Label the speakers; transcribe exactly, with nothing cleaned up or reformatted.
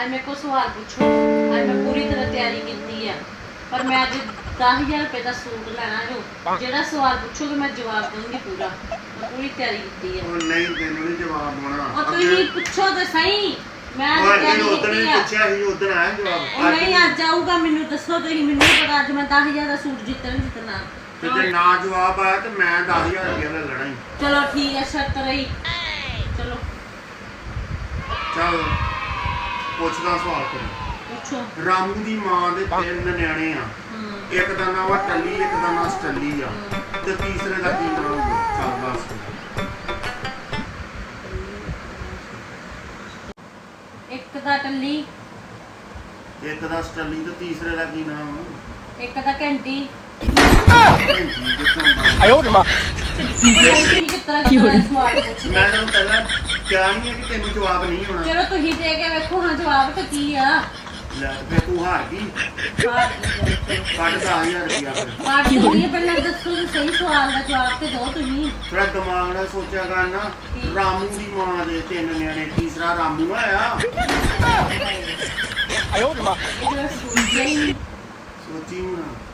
Speaker 1: ਅੱਜ ਮੇਰੇ ਕੋਲ ਸਵਾਲ ਪੁੱਛੋ। ਅੱਜ ਮੈਂ ਪੂਰੀ ਤਰ੍ਹਾਂ ਤਿਆਰੀ ਕੀਤੀ ਆ, ਪਰ ਮੈਂ ਅੱਜ ਦਸ ਹਜ਼ਾਰ ਰੁਪਏ ਦਾ ਸੂਟ ਲੈਣਾ ਜੋ ਜਿਹੜਾ ਸਵਾਲ ਪੁੱਛੋਗੇ ਮੈਂ ਜਵਾਬ ਦਊਂਗੀ ਪੂਰਾ। ਮੈਂ ਪੂਰੀ ਤਿਆਰੀ ਕੀਤੀ ਆ।
Speaker 2: ਉਹ ਨਹੀਂ ਤੈਨੂੰ ਨਹੀਂ ਜਵਾਬ ਹੋਣਾ।
Speaker 1: ਉਹ ਤੁਸੀਂ ਪੁੱਛੋ ਤਾਂ ਸਹੀ। ਮੈਂ
Speaker 2: ਉਹ
Speaker 1: ਤਿਆਰੀ
Speaker 2: ਅੱਗੇ ਉਦੋਂ
Speaker 1: ਕੀਤੀ
Speaker 2: ਨਹੀਂ
Speaker 1: ਆ।
Speaker 2: ਪੁੱਛਿਆ ਸੀ, ਉਦੋਂ ਆਇਆ ਜਵਾਬ।
Speaker 1: ਉਹ ਨਹੀਂ ਅੱਜ ਆਊਗਾ, ਮੈਨੂੰ ਦੱਸੋ ਤੁਸੀਂ। ਮੈਨੂੰ ਨਹੀਂ ਪਤਾ ਅੱਜ ਮੈਂ ਦਸ ਹਜ਼ਾਰ ਦਾ ਸੂਟ ਜਿੱਤਣਾ ਜਿੱਤਣਾ।
Speaker 2: ਤੇ ਜੇ ਨਾ ਜਵਾਬ ਆਇਆ ਤੇ ਮੈਂ ਦਸ ਹਜ਼ਾਰ ਰੁਪਏ ਦਾ ਲੈਣਾ ਹੀ।
Speaker 1: ਚਲੋ ਠੀਕ ਹੈ, ਸ਼ਰਤ ਰਹੀ। ਚਲੋ
Speaker 2: ਚੱਲ ਪੁੱਛਦਾ ਸਵਾਲ ਕਰ।
Speaker 1: ਪੁੱਛੋ।
Speaker 2: ਰਾਮੂ ਦੀ ਮਾਂ ਦੇ ਤਿੰਨ ਨਿਆਣੇ ਆ।
Speaker 1: ਹੂੰ
Speaker 2: ਇੱਕ ਦਾ ਨਾਮ ਆ ਟੱਲੀ, ਇੱਕ ਦਾ ਨਾਮ ਸਟੱਲੀ ਆ, ਤੇ ਤੀਸਰੇ ਦਾ ਕੀ ਨਾਮ ਹੋਊਗਾ? ਚੱਲ ਦੱਸ।
Speaker 1: ਇੱਕ ਦਾ ਟੱਲੀ,
Speaker 2: ਇੱਕ ਦਾ ਸਟੱਲੀ ਤੇ ਤੀਸਰੇ ਦਾ ਕੀ ਨਾਮ ਆ?
Speaker 1: ਇੱਕ ਦਾ ਘੰਟੀ।
Speaker 3: ਆਇਓ ਰੇ ਮਾਂ
Speaker 1: ਘੰਟੀ ਕਿਸ ਤਰ੍ਹਾਂ ਕਿਸ ਤਰ੍ਹਾਂ ਸਵਾਲ ਪੁੱਛਦੇ।
Speaker 2: ਮੈਂ ਤੈਨੂੰ ਪਹਿਲਾਂ ਕਿਹਾ ਨਹੀਂ ਹੈ ਕਿ ਤੈਨੂੰ ਜਵਾਬ ਨਹੀਂ ਹੋਣਾ।
Speaker 1: ਚਲੋ ਤੁਸੀਂ ਦੇ ਕੇ ਵੇਖੋ ਹਾਂ ਜਵਾਬ ਤਾਂ ਕੀ ਆ।
Speaker 2: ਲੈ ਤੇ ਫਿਰ ਤੂੰ ਹਾਰ ਗਈ।
Speaker 1: ਬਾਤ
Speaker 2: ਕੱਢ ਦਸ ਹਜ਼ਾਰ ਰੁਪਇਆ ਫਿਰ।
Speaker 1: ਬਾਤ ਨਹੀਂ ਪਹਿਲਾਂ ਦੱਸੋ ਜੀ, ਸਹੀ ਸਵਾਲ ਦਾ ਜਵਾਬ ਤੇ ਦਿਓ ਤੁਸੀਂ।
Speaker 2: ਥੋੜਾ ਦਿਮਾਗ ਨਾਲ ਸੋਚਿਆ ਕਰ ਨਾ। ਰਾਮੂ ਦੀ ਮਾਂ ਦੇ ਤਿੰਨ ਨਿਆਣੇ, ਤੀਸਰਾ ਰਾਮੂ ਆਇਆ।
Speaker 3: ਆਇਓ ਰੇ ਮਾਂ
Speaker 1: ਇਹ ਜਿਹੜਾ ਸੂਟ ਹੀ ਨਹੀਂ।
Speaker 2: ਸੋਚੀ ਹੁਣ।